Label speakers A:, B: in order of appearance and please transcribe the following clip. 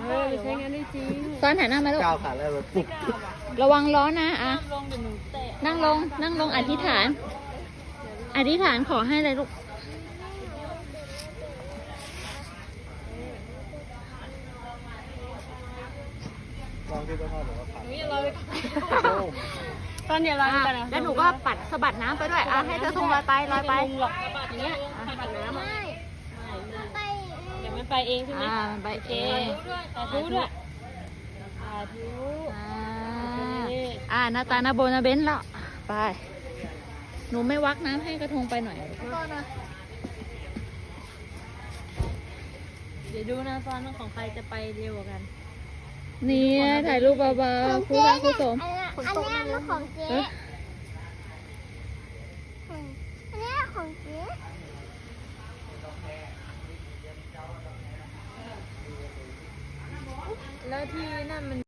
A: ใช้งานได้จริง
B: ซ้อนหันหน้ามาลูก
C: ก้าวขาแล้วแบบปุ๊บ
B: ระวังล้อนะอ่ะ
A: ลงเดี๋ยวหนูเตะ
B: นั่งลง นั่งลงอธิษฐาน อธิษฐานขอให้เลยลูก
C: ลองที่ต้นข้าวหรือว่าผ่าน
A: หนูอย่าลอยตอนอย่าลอยไปนะ
B: แล้วหนูก็ปัดสะบัดน้ำไปด้วยอ่ะให้เธอทงลอยไปลอยไป
A: ลงหรอกอย่างเงี้ยปัดน้ำอ่ะเดี๋ยวมันไปเองใช่ไหม
B: มันไป
A: โอเค
B: เอง
A: สาธุด้วยสาธุ
B: หน้าตาหน้าโบนาเบนแล้วไป หนูไม่วักน้ำให้กระทงไปหน่อย
A: เดี๋ยวดูนะตอนของใครจะไปเร็วกว่ากัน
B: นี่ถ่ายรูปเบาๆคู่รักคู่สม
D: อันนี้มันของเจ๊
B: เอ๊ะ
D: อันนี้ของเจ๊
A: แล้วที่นั่นมัน